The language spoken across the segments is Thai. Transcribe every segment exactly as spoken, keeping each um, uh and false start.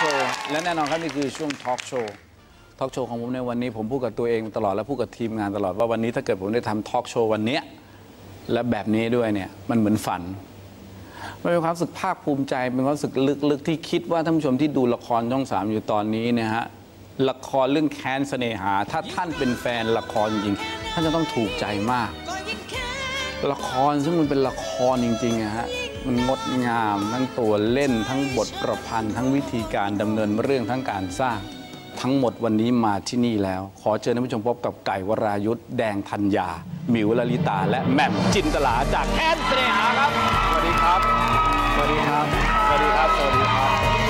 โชว์และแน่นอนครับนี่คือช่วงทอล์กโชว์ทอล์กโชว์ของผมในวันนี้ผมพูดกับตัวเองตลอดและพูดกับทีมงานตลอดว่าวันนี้ถ้าเกิดผมได้ทำทอล์กโชว์วันนี้และแบบนี้ด้วยเนี่ยมันเหมือนฝันมันเป็นความรู้สึกภาคภูมิใจเป็นความรู้สึกลึกๆที่คิดว่าท่านผู้ชมที่ดูละครช่องสามอยู่ตอนนี้เนี่ยฮะละครเรื่องแค้นเสน่หาถ้าท่านเป็นแฟนละครจริงๆท่านจะต้องถูกใจมากละครซึ่งมันเป็นละครจริงๆนะฮะมันงดงามทั้งตัวเล่นทั้งบทประพันธ์ทั้งวิธีการดำเนินเรื่องทั้งการสร้างทั้งหมดวันนี้มาที่นี่แล้วขอเชิญท่านผู้ชมพบกับไก่วรายุทธแดงธัญญาหมิวลลิตาและแหม่มจินตลาจากแค้นเสน่หาครับสวัสดีครับสวัสดีครับสวัสดีครับสวัสดีครับ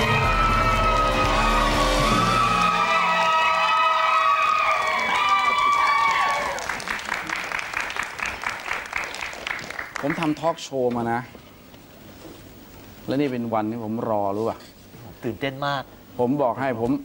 ผมทำทอล์กโชว์มานะและนี่เป็นวันที่ผมรอรู้ป่ะตื่นเต้นมากผมบอกให้ผม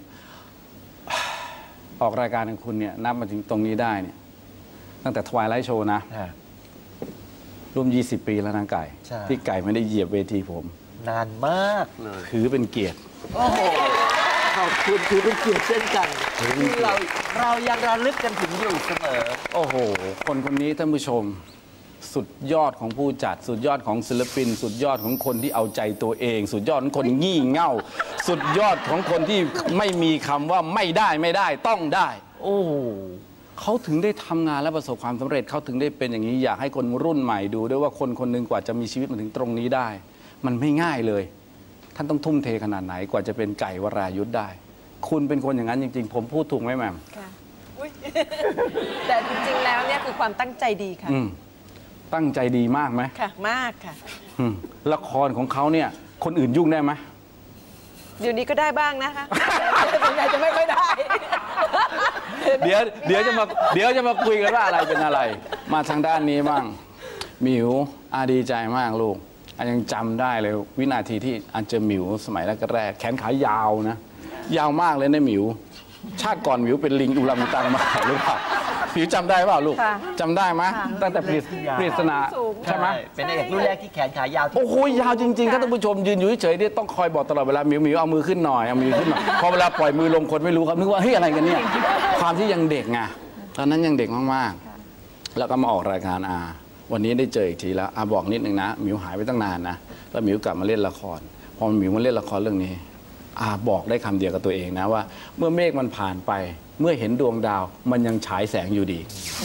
ออกรายการของคุณเนี่ยนับมาถึงตรงนี้ได้เนี่ยตั้งแต่ทวายไลท์โชว์นะร่วมยี่สิบปีแล้วนะไก่ที่ไก่ไม่ได้เหยียบเวทีผมนานมากเลยถือเป็นเกียรติโอ้โหขอบคุณถือเป็นเกียรติเช่นกันเราเรายังระลึกกันถึงอยู่เสมอโอ้โหคนคนนี้ท่านผู้ชมสุดยอดของผู้จัดสุดยอดของศิลปินสุดยอดของคนที่เอาใจตัวเองสุดยอดของคนงี่เง่าสุดยอดของคนที่ไม่มีคำว่าไม่ได้ไม่ได้ต้องได้โอ้เขาถึงได้ทำงานและประสบความสำเร็จเขาถึงได้เป็นอย่างนี้อยากให้คนรุ่นใหม่ดูด้วยว่าคนคนหนึ่งกว่าจะมีชีวิตมาถึงตรงนี้ได้มันไม่ง่ายเลยท่านต้องทุ่มเทขนาดไหนกว่าจะเป็นไก่วรายุทธได้คุณเป็นคนอย่างนั้นจริงๆผมพูดถูกไหมแม่ค่ะแต่จริงๆแล้วเนี่ยคือความตั้งใจดีค่ะตั้งใจดีมากไหมค่ะมากค่ะละครของเขาเนี่ยคนอื่นยุ่งได้ไหมเดี๋ยวนี้ก็ได้บ้างนะคะส่วนใหญ่จะไม่ค่อยได้เดี๋ยวเดี๋ยวจะมาเดี๋ยวจะมาคุยกันว่าอะไรเป็นอะไรมาทางด้านนี้บ้างหมิวอาดีใจมากลูกอายังจำได้เลยวินาทีที่อาเจอหมิวสมัยแรกๆแขนขายาวนะยาวมากเลยนะหมิวชาติก่อนหมิวเป็นลิงอุลังอุตังมาหรือเปล่าหมิวจำได้เปล่าลูกจำได้ไหมตั้งแต่ปริศนาใช่ไหมเป็นเอกรุ่นแรกที่แขนขายาวโอ้โหยาวจริงๆท่านผู้ชมยืนอยู่เฉยๆต้องคอยบอกตลอดเวลาหมิวหมิวเอามือขึ้นหน่อยเอามือขึ้นหน่อยพอเวลาปล่อยมือลงคนไม่รู้ครับนึกว่าเฮ้ยอะไรกันเนี่ยความที่ยังเด็กไงตอนนั้นยังเด็กมากๆแล้วก็มาออกรายการอาวันนี้ได้เจออีกทีแล้วอาบอกนิดนึงนะหมิวหายไปตั้งนานนะแล้วหมิวกลับมาเล่นละครพอหมิวมาเล่นละครเรื่องนี้อาบอกได้คำเดียวกับตัวเองนะว่าเมื่อเมฆมันผ่านไปเมื่อเห็นดวงดาวมันยังฉายแสงอยู่ดี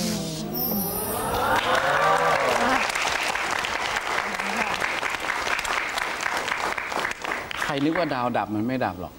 ใครนึกว่าดาวดับมันไม่ดับหรอก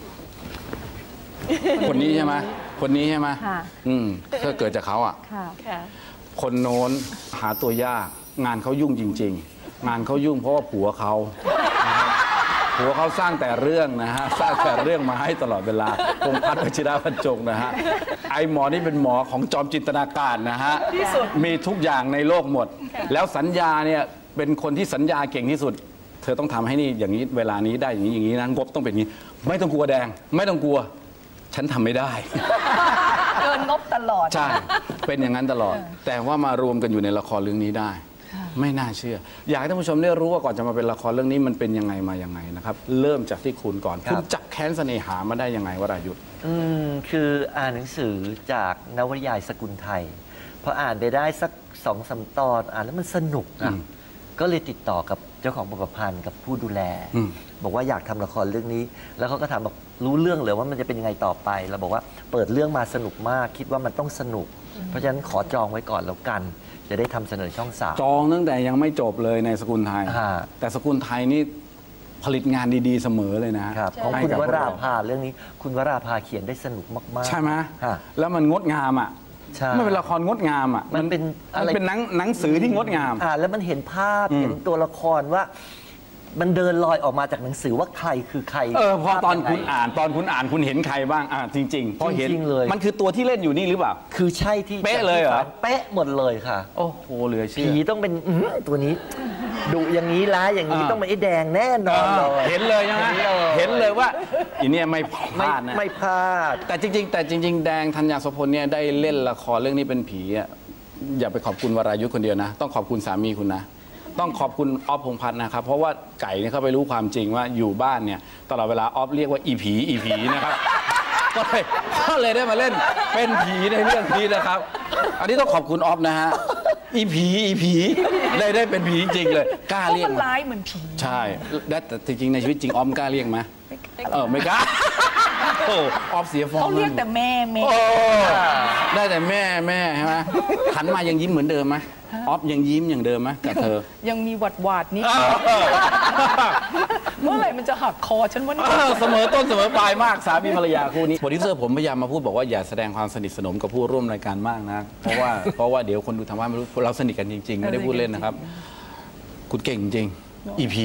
คนนี้ใช่ไหมคนนี้ใช่ไหมอืมถ้าเกิดจากเขาอ่ะคนโน้นหาตัวยากงานเขายุ่งจริงๆงานเขายุ่งเพราะว่าผัวเขาผัวเขาสร้างแต่เรื่องนะฮะสร้างแต่เรื่องมาให้ตลอดเวลาพงษ์พัฒน์ วชิระบรรจงนะฮะไอหมอนี่เป็นหมอของจอมจินตนาการนะฮะมีทุกอย่างในโลกหมดแล้วสัญญาเนี่ยเป็นคนที่สัญญาเก่งที่สุดเธอต้องทำให้นี่อย่างนี้เวลานี้ได้อย่างนี้อย่างนี้นะงบต้องเป็นอย่างนี้ไม่ต้องกลัวแดงไม่ต้องกลัวฉันทำไม่ได้เกินงบตลอดใช่เป็นอย่างนั้นตลอดแต่ว่ามารวมกันอยู่ในละครเรื่องนี้ได้ไม่น่าเชื่ออยากให้ท่านผู้ชมได้รู้ว่าก่อนจะมาเป็นละครเรื่องนี้มันเป็นยังไงมายังไงนะครับเริ่มจากที่คุณก่อนคุณจับแค้นเสน่หามาได้ยังไงวรายุทธอืมคืออ่านหนังสือจากนวนิยายสกุลไทยพออ่านไปได้สักสองสามตอนอ่านแล้วมันสนุกอ่ะก็เลยติดต่อกับเจ้าของบทประพันธ์กับผู้ดูแลบอกว่าอยากทำละครเรื่องนี้แล้วเขาก็ถามบอกรู้เรื่องเลยว่ามันจะเป็นยังไงต่อไปเราบอกว่าเปิดเรื่องมาสนุกมากคิดว่ามันต้องสนุกเพราะฉะนั้นขอจองไว้ก่อนแล้วกันจะได้ทำเสนอช่องสามจองตั้งแต่ยังไม่จบเลยในสกุลไทยแต่สกุลไทยนี่ผลิตงานดีๆเสมอเลยนะครับของคุณวราภาเรื่องนี้คุณวราภาเขียนได้สนุกมากๆใช่ไหมแล้วมันงดงามอ่ะมันเป็นละครงดงามอ่ะมันเป็นมันเป็นหนังหนังสือที่งดงามอ่าแล้วมันเห็นภาพเห็นตัวละครว่ามันเดินลอยออกมาจากหนังสือว่าใครคือใครเออพอตอนคุณอ่านตอนคุณอ่านคุณเห็นใครบ้างอ่าจริงๆพอเห็นเลยมันคือตัวที่เล่นอยู่นี่หรือเปล่าคือใช่ที่เป๊ะเลยเหรอเป๊ะหมดเลยค่ะโอ้โหเหลือเชื่อผีต้องเป็นตัวนี้ดุอย่างนี้ร้ายอย่างนี้ต้องเป็นไอ้แดงแน่นอนเลยเห็นเลยใช่ไหมเห็นเลยว่าอีเนี่ยไม่พลาดนะไม่พลาดแต่จริงๆแต่จริงๆแดงธัญญาโสพลเนี่ยได้เล่นละครเรื่องนี้เป็นผีอ่ะอย่าไปขอบคุณวรายุทธคนเดียวนะต้องขอบคุณสามีคุณนะต้องขอบคุณออฟพงษ์พัฒน์นะครับเพราะว่าไก่เนี่ยเขาไปรู้ความจริงว่าอยู่บ้านเนี่ยตลอดเวลาออฟเรียกว่าอีผีอีผีนะครับก็เลยก็เลยได้มาเล่นเป็นผีในเรื่องนี้นะครับ อันนี้ต้องขอบคุณออฟนะฮะอีผีอีผีได้ได้เป็นผีจริงเลยกล้าเพราะเรียกมันไหมร้ายเหมือนผีใช่แต่จริงๆในชีวิตจริงออฟกล้าเรียกไหมเออไม่กล้าโอ้ออฟเสียฟอร์มเขาเรียกแต่แม่แม่โอ้ได้แต่แม่แม่ใช่ไหมหันมายังยิ้มเหมือนเดิมไหมออฟยังยิ้มอย่างเดิมไหมกับเธอยังมีหวัดหวาดนิดเมื่อไหร่มันจะหักคอฉันวะเนี่ยเออเสมอต้นเสมอปลายมากสามีภรรยาคู่นี้โปรดิวเซอร์ผมพยายามมาพูดบอกว่าอย่าแสดงความสนิทสนมกับผู้ร่วมรายการมากนะเพราะว่าเพราะว่าเดี๋ยวคนดูทางบ้านไม่รู้เราสนิทกันจริงๆไม่ได้พูดเล่นนะครับ คุณเก่งจริงอีผี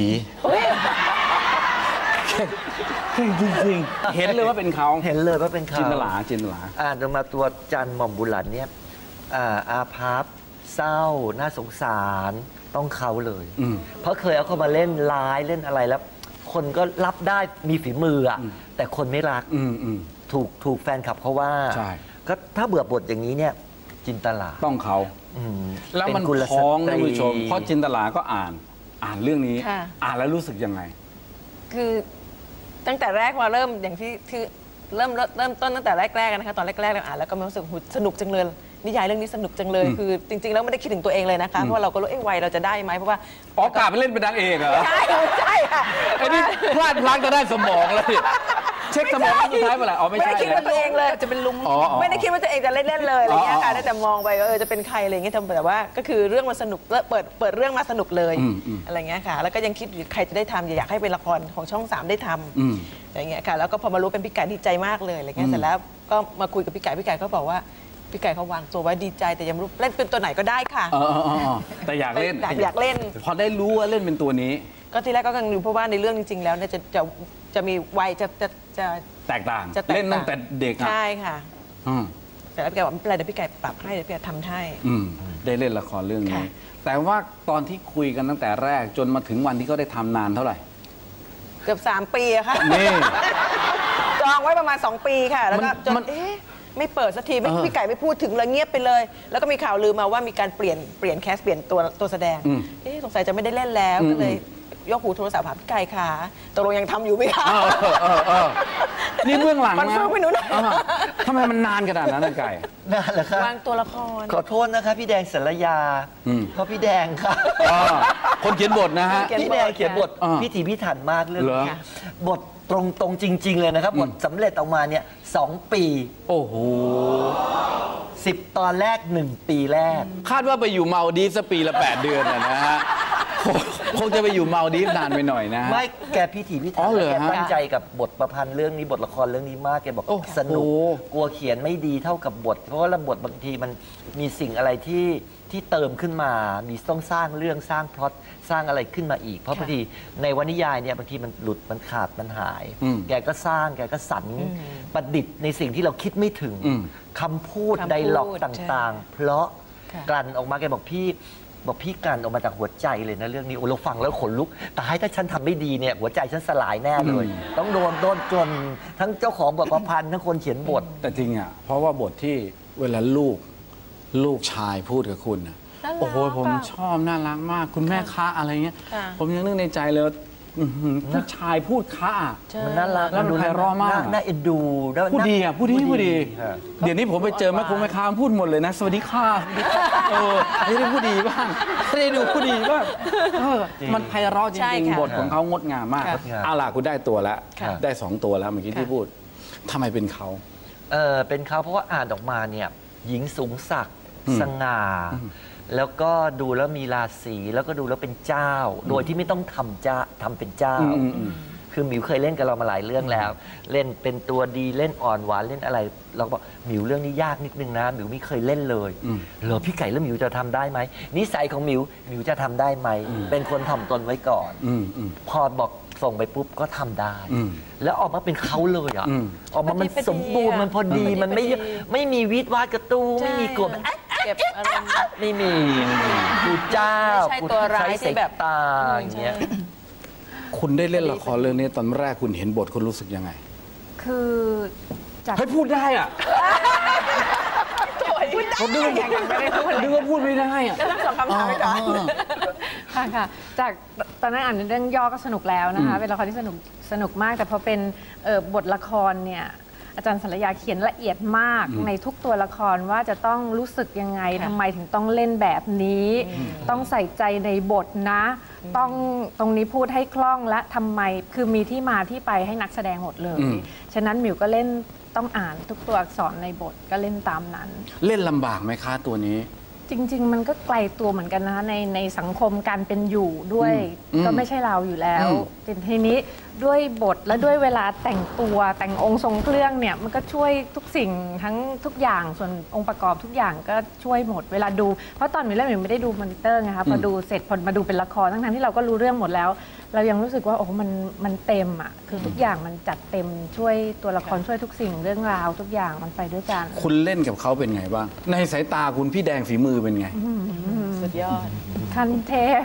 เก่งจริงๆเห็นเลยว่าเป็นเขาเห็นเลยว่าเป็นเขาจินตลาจินตลาอ่านออกมาตัวจันหม่อมบุหลันเนี่ยอ่าอาภัพเศร้าน่าสงสารต้องเขาเลยอืมเพราะเคยเอาเขามาเล่นร้ายเล่นอะไรแล้ว คนก็รับได้มีฝีมืออะแต่คนไม่รักอืมอืมถูกถูกแฟนคลับเขาว่าใช่ก็ถ้าเบื่อบทอย่างนี้เนี่ยจินตลาต้องเขาอืมแล้วมันเป็กุลสพ้องตท่านรีผู้ชมเพราะจินตลาก็อ่านอ่านเรื่องนี้ค่ะอ่านแล้วรู้สึกยังไงคือตั้งแต่แรกมาเริ่มอย่างที่คือเริ่มเริ่มเริ่มต้นตั้งแต่แรกๆนะคะตอนแรกๆเราอ่านแล้วก็รู้สึกหูสนุกจังเลยนิยายเรื่องนี้สนุกจังเลย คือจริงๆแล้วไม่ได้คิดถึงตัวเองเลยนะคะเพราะว่าเราก็รู้เอ้วัยเราจะได้ไหมเพราะว่าอ๋อกาไปเล่นเป็นนางเอกเหรอใช่ใช่ค่ะไอ้นี่พลาดพลั้งจะได้สมองเลยเช็คสมองครั้งสุดท้ายเมื่อไหร่อ๋อไม่ไม่ใช่ได้คิดว่าตัวเองเลยจะเป็นลุงอ๋ออ๋อไม่ได้คิดว่าตัวเองจะเล่นๆเลยอะไรเงี้ยค่ะอ๋ออ๋อได้แต่มองไปว่าเออจะเป็นใครอะไรเงี้ยแต่ว่าก็คือเรื่องมันสนุกเปิดเปิดเรื่องมาสนุกเลยอืมอืมอะไรเงี้ยค่ะแล้วก็ยังคิดอยู่ใครจะได้ทำอยากให้เป็นละครของช่องสามได้ทอืมำอะไรเงี้ยค่ะแล้วก็พอมารู้เป็นพี่ไก่ดีใจมากเลยอะไรเงี้ยเสร็จแล้วก็มาคุยกับพี่ไก่พี่ไก่ก็บอกว่าพี่ไก่เขาวางตัวไว้ดีใจแต่ยังไม่รู้เล่นเป็นตัวไหนก็ได้ค่ะเออเออเออเออแต่อยากเล่นอยากอยากเล่นพอได้รู้ว่าเล่นเป็นตัวนี้ก็ทีแรกก็กังวลเพราะว่าในเรื่องจริง ๆ แล้วเนี่ยจะจะจะมีวัยจะจะจะแตกต่างจะแตกต่างเล่นตั้งแต่เด็กอ่ะใช่ค่ะอืมแต่แล้วพี่ไก่บอกไม่เป็นไรเดี๋ยวพี่ไก่ปรับให้เดี๋ยวพี่ไก่ทำให้อืมได้เล่นละครเรื่องนี้ค่ะแต่ว่าตอนที่คุยกันตั้งแต่แรกจนมาถึงวันที่เขาได้ทำนานเท่าไหร่เกือบสามปีอะค่ะนี่จองไว้ประมาณสองปีค่ะ แล้วก็มันจนมันเอ๊ะไม่เปิดสักทีไม่เออพี่ไก่ไม่พูดถึงเลยเงียบไปเลย แล้วก็มีข่าวลือมาว่ามีการเปลี่ยนเปลี่ยนแคสเปลี่ยนตัวตัวแสดงอืมเอ๊ะสงสัยจะไม่ได้เล่นแล้วอืมก็เลยยกหูโทรศัพท์หาพี่ไก่ค่ะตกลงยังทำอยู่ไหมคะเออเออเออเออนี่เบื้องหลังมันนะเพิ่งไปหนูหน่อยเออทำไมมันนานขนาดนั้นนะไก่นั่นแหละครับวางตัวละครขอโทษนะคะพี่แดงสารยาอืมเพราะพี่แดงค่ะอ่าคนเขียนบทนะฮะเขียนพี่แดงเขียนบทอ่าพิถีพิถันมากเรื่องเหรอนี้บทตรงตรงๆจริง ๆ เลยนะครับ บทสำเร็จออกมาเนี่ยสองปีโอ้โหสิบตอนแรกหนึ่งปีแรกคาดว่าไปอยู่เมาดีฟส์สักปีละแปดเดือนอะนะฮะคงคงจะไปอยู่เมาดีฟส์นานไปหน่อยนะฮะไม่แกพิถีพิอ๋ถัอนเหรอแกฮะตั้งใจกับบทประพันธ์เรื่องนี้บทละครเรื่องนี้มากแกบอกโอ้โหสนุกกลัวเขียนไม่ดีเท่ากับบท เพราะว่าบทบางทีมันมีสิ่งอะไรที่ที่เติมขึ้นมา มีต้องสร้างเรื่องสร้างพล็อตสร้างอะไรขึ้นมาอีก เพราะบางทีในวรรณนิยายเนี่ยบางทีมันหลุดมันขาดมันหายอืมแกก็สร้างแกก็สรรประดิษฐ์ในสิ่งที่เราคิดไม่ถึงอืมคำพูดคำพูดไดล็อกใช่ต่างๆ เพราะค่ะกลั่นออกมาแกบอกพี่บอกพี่กลั่นออกมาจากหัวใจเลยนะเรื่องนี้โอ้เราฟังแล้วขนลุกแต่ให้ถ้าฉันทำไม่ดีเนี่ยหัวใจฉันสลายแน่เลย ต้องโดนโดนจนทั้งเจ้าของบทประพันธ์ทั้งคนเขียนบทแต่จริงอ่ะ เพราะว่าบทที่เวลาลูกลูกชายพูดกับคุณนะน่ารักโอ้โหผมอะชอบน่ารักมาก คุณแม่ค้าอะไรเงี้ยค่ะผมยังนึกในใจเลยว่าอื้อหือผู้ชายพูดค้าใช่มันน่ารักแล้วมันไพเราะมากน่น่าเอ็นดูแล้วพูดดีอ่ะพูดดีพูดดีฮะเดี๋ยวนี้ผมไปเจอแม่คงแม่ค้าพูดหมดเลยนะ สวัสดีค่ะสวัสดีค่ะเออให้ได้พูดดีบ้างให้ได้ดูพูดดีบ้างเออมันไพเราะจใช่ริงค่ะๆบทของเขางดงามมากค่ะเอาล่ะคุณได้ตัวแล้วค่ะได้สองตัวแล้วเมื่อกี้ที่ค่ะพูดทำไมเป็นเขาเออเป็นเขาเพราะว่าอ่านออกมาเนี่ยหญิงสูงศักดิ์อืมสง่า แล้วก็ดูแล้วมีราศีแล้วก็ดูแล้วเป็นเจ้า โดยที่ไม่ต้องทำเจ้าทำเป็นเจ้าอืมอืมอืมคือหมิวเคยเล่นกับเรามาหลายเรื่องแล้ว เล่นเป็นตัวดีเล่นอ่อนหวานเล่นอะไร เราก็บอกหมิวเรื่องนี้ยากนิดนึงนะหมิวไม่เคยเล่นเลยอืมเหรอพี่ไก่แล้วหมิวจะทำได้ไหมนิสัยของหมิวหมิวจะทำได้ไหมเป็นคนถ่อมตนไว้ก่อนอืมอืมพอบอกส่งไปปุ๊บก็ทำได้อืมแล้วออกมาเป็นเขาเลยอ่ะอืมออกมามันพอดีสมบูรณ์มันพอดีพอดีมันไม่พอดีไม่มีวิดวาดกระตูไม่มีกลมใช่เก็บอารมณ์ไม่มีกูเจ้าไม่ใช่ตัวร้ายที่แบบตาอย่างเงี้ยคุณได้เล่นละครเรื่องนี้ตอนแรกคุณเห็นบทคุณรู้สึกยังไงคือจากเฮ้ยพูดได้อ่ะผมนึกว่ายังไม่ได้พูดเลยนึกว่าพูดไม่ได้อ่ะก็ต้องสองคำถามไปก่อนอ๋อค่ะค่ะจากตอนนั้นอ่านเรื่องย่อก็สนุกแล้วนะคะเป็นละครที่สนุกสนุกมากแต่พอเป็นเอ่อบทละครเนี่ยอาจารย์สรยาเขียนละเอียดมากในทุกตัวละครว่าจะต้องรู้สึกยังไงทำไมถึงต้องเล่นแบบนี้ ต้องใส่ใจในบทนะ ต้องตรงนี้พูดให้คล่องและทำไมคือมีที่มาที่ไปให้นักแสดงหมดเลย ฉะนั้นหมิวก็เล่นต้องอ่านทุกตัวอักษรในบทก็เล่นตามนั้นเล่นลำบากไหมคะตัวนี้จริง ๆ มันก็ไกลตัวเหมือนกันนะคะในในสังคมการเป็นอยู่ด้วยอืมก็ไม่ใช่เราอยู่แล้วอืมแต่ทีนี้ด้วยบทและด้วยเวลาแต่งตัวแต่งองค์ทรงเครื่องเนี่ยมันก็ช่วยทุกสิ่งทั้งทุกอย่างส่วนองค์ประกอบทุกอย่างก็ช่วยหมดเวลาดูเพราะตอนมิวเล่นมิวไม่ได้ดูมอนิเตอร์ไงคะพอดูเสร็จพอมาดูเป็นละครทั้งๆที่เราก็รู้เรื่องหมดแล้ว เรายังรู้สึกว่าโอ้มันมันเต็มอ่ะคือทุกอย่างมันจัดเต็มช่วยตัวละครช่วยทุกสิ่งเรื่องราวทุกอย่างมันไปด้วยกันคุณเล่นกับเขาเป็นไงบ้าง ในสายตาคุณพี่แดงฝีมือเป็นไงสุดยอดคันเทพ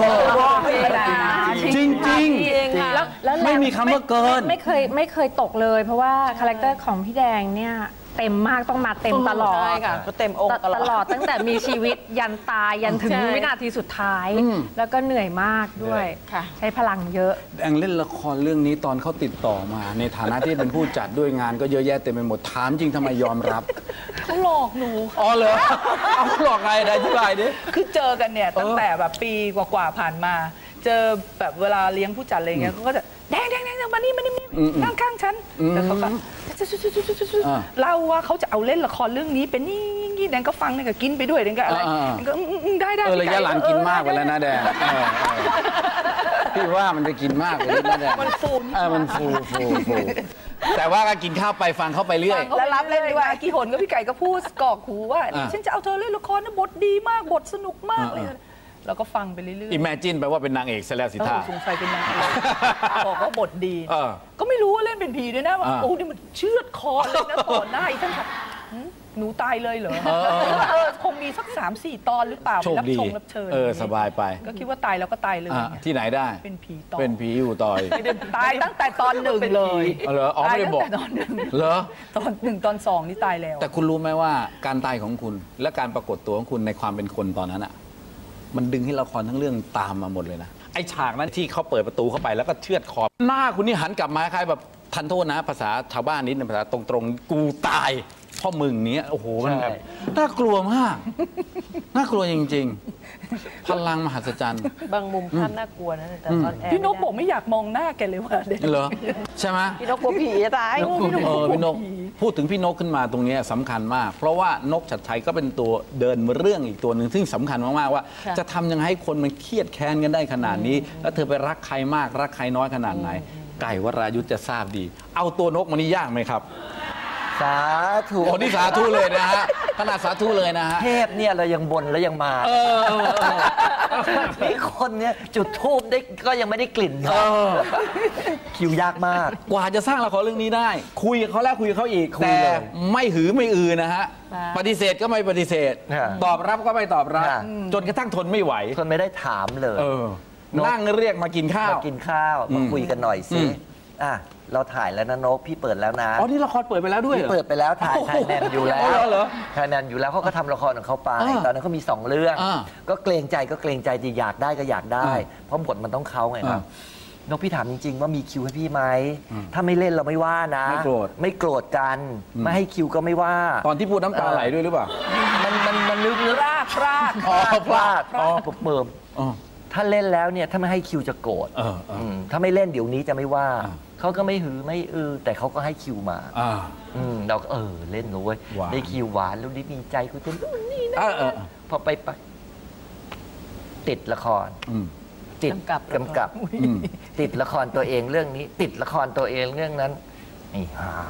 จริงจริงจริงค่ะแล้วแล้วไม่มีคำว่าเกินไม่ไม่เคยไม่เคยตกเลย เพราะว่าคาแรคเตอร์ของพี่แดงเนี่ยเต็มมากต้องมาเต็มตลอดใช่ค่ะก็เต็มองค์ตลอดตลอดตั้งแต่มีชีวิตยันตายยันถึงใช่วินาทีสุดท้ายอืมแล้วก็เหนื่อยมากด้วยค่ะใช้พลังเยอะแดงเล่นละครเรื่องนี้ตอนเขาติดต่อมา ในฐานะที่เป็นผู้จัดด้วยงานก็เยอะแยะเต็มไปหมดถามจริงทำไมยอมรับเขาหลอกหนูค่ะอ๋อเหรอเอาหลอกไงได้ที่ไรดิคือเจอกันเนี่ยตั้งแต่แบบปีกว่าๆผ่านมา เจอแบบเวลาเลี้ยงผู้จัดอะไรเงี้ยเขาก็จะแดงแดงแดงมานี่มานี่อืมอืมนั่งข้างฉันอืมแล้วเขาก็อ่าเล่าว่าเขาจะเอาเล่นละครเรื่องนี้เป็นนี่นี่แดงก็ฟังแดงก็กินไปด้วยแดงก็อะไรอ่าแดงก็อืมอืมได้ได้เออระยะหลังกินมากไปเออแล้วนะแดงเออเออพี่ว่ามันจะกินมากไปแล้วนะแดงมันฟูนิดเออมันฟูฟูฟูแต่ว่าก็กินข้าวไปฟังเข้าไปเรื่อยแล้วรับเล่นด้วยกี่หนก็พี่ไก่ก็พูดกรอกหูว่าอ่าฉันจะเอาเธอเล่นละครนะบทดีมากบทสนุกมากเลยอ่าแล้วก็ฟังไปเรื่อยๆอิมเมจินไปว่าเป็นนางเอกซะแล้วสิเอท่าอสงสัยเป็นนางเอกบอกว่าบทดีเออก็ไม่รู้ว่าเล่นเป็นผีด้วยนะว่าอ่าโอ้นี่มันเชือดคอเลยนะต่อหน้าอีกท่านค่ะหืมหนูตายเลยเหรอเออเออเออคงมีสักสามสี่ตอนหรือเปล่าโชครับดีชงรับเชิญเออสบายไปก็คิดว่าตายแล้วก็ตายเลยอ่ะไงที่ไหนได้เป็นผีต่อเป็นผีอยู่ต่อยไม่ได้ตายตั้งแต่ตอนหนึ่งเลยอ๋อเหรออ๋อไม่ได้บอกตายตั้งแต่ตอนหนึ่งเหรอตอนหนึ่งตอนสองนี่ตายแล้วแต่คุณรู้ไหมว่าการตายของคุณและการปรากฏตัวของคุณในความเป็นคนตอนนั้นอ่ะมันดึงให้ละครทั้งเรื่องตามมาหมดเลยนะไอฉากนั้นที่เขาเปิดประตูเข้าไปแล้วก็เชือดคอหน้าคุณนี่หันกลับมาคล้ายแบบทันโทษนะ ภาษาชาวบ้านนิดนึงภาษาตรงๆกูตายเพ่อมึงเนี้ยโอ้โหมันแบบน่ากลัวมากน่ากลัวจริงๆพลังมหัศจรรย์บางมุมภาพน่ากลัวนะแต่ตอนแอร์พี่นกบอกไม่อยากมองหน้าแกเลยว่าเด็กเหรอใช่ไหมพี่นกกลัวผีจะตายเออพี่นกพูดถึงพี่นกขึ้นมาตรงนี้สำคัญมาก เพราะว่านกชัดชัยก็เป็นตัวเดินเรื่องอีกตัวหนึ่งซึ่งสำคัญมากๆว่า จะทำยังไงให้คนมันเครียดแค้นกันได้ขนาดนี้ แล้วเธอไปรักใครมากรักใครน้อยขนาดไหน ไก่วรายุทธจะทราบดี เอาตัวนกมานี่ยากไหมครับสาธุโอ้นี่สาธุเลยนะฮะขนาดสาธุเลยนะฮะเทพเนี่ยเรายังบนแล้วยังมาเออเออเออนี่คนเนี่ยจุดทูบได้ก็ยังไม่ได้กลิ่นเออคิวยากมากกว่าจะสร้างละครเรื่องนี้ได้ คุยกับเขาแล้วคุยกับเขาอีกคุยแต่เลยไม่หือไม่อือนะฮะปฏิเสธก็ไม่ปฏิเสธค่ะตอบรับก็ไม่ตอบรับค่ะจนกระทั่งทนไม่ไหวคนไม่ได้ถามเลยเออ นั่งเรียกมากินข้าวมากินข้าวอืมาม คุยกันหน่อยอืสิมอ่ะเราถ่ายแล้วนะนกพี่เปิดแล้วนะอ๋อนี่ละครเปิดไปแล้วด้วยพี่เหรอเปิดไปแล้วถ่ายโอ้โหถ่ายแนนอยู่แล้อ๋อวเหรอเหรอถ่ายแนนอยู่แล้วเขาก็ทำละครของเขาไปอ่าตอนนั้นเขามีสองเรื่องอ่าก็เกรงใจก็เกรงใจจะอยากได้ก็อยากได้อ่าเพราะบทมันต้องเขาไงครับอ่นกพี่ถามจริง ๆ ว่ามีคิวให้พี่ไหมถ้าไม่เล่นเราไม่ว่านะไม่โกรธไม่โกรธกันอืมไม่ให้คิวก็ไม่ว่าตอนที่พูดน้ำตาไหลด้วยหรือเปล่ามันมันมันลึกลึกพลาดพลาดอ๋อพลาดอ๋อเปิมอ๋อถ้าเล่นแล้วเนี่ยถ้าไม่ให้คิวจะโกรธเออเอออืมถ้าไม่เล่นเดี๋ยวนี้จะไม่ว่าอ่าเขาก็ไม่หือไม่อือแต่เขาก็ให้คิวมาอ่าอืมเราก็เออเล่นเลยหวานได้คิวหวานแล้วได้มีใจคุยกันนู่นนี่นะเออเออพอไปไปติดละครอืมติดกำกับกำกับอืมติดละครตัวเองเรื่องนี้ ติดละครตัวเองเรื่องนั้นไอ้ห่า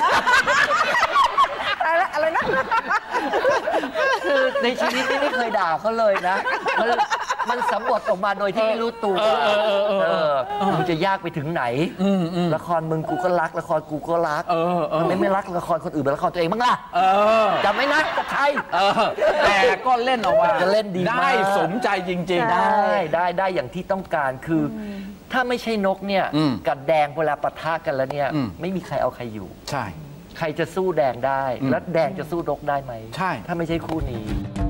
อะไรอะไรนะคือในชีวิตนี่ไม่เคยด่าเขาเลยนะ มันมันสำบดออกมาโดยที่ไม่รู้ตัวเออเออเออเออเออมันจะยากไปถึงไหนอืมอืมละครมึงกูก็รัก ละครกูก็รักเออเออทำไมไม่รักละครคนอื่นเป็นละครตัวเองบ้างล่ะเออจะไม่นักกับใครเออ แต่ก็เล่นออกมาจะเล่นดีมากได้สมใจจริงๆได้ได้ได้อย่างที่ต้องการคือ ถ้าไม่ใช่นกเนี่ยอืมกับแดงเวลาปะทะกันแล้วเนี่ยอืมไม่มีใครเอาใครอยู่ใช่ใครจะสู้แดงได้อืมแล้วแดงจะสู้นกได้ไหมใช่ถ้าไม่ใช่คู่นี้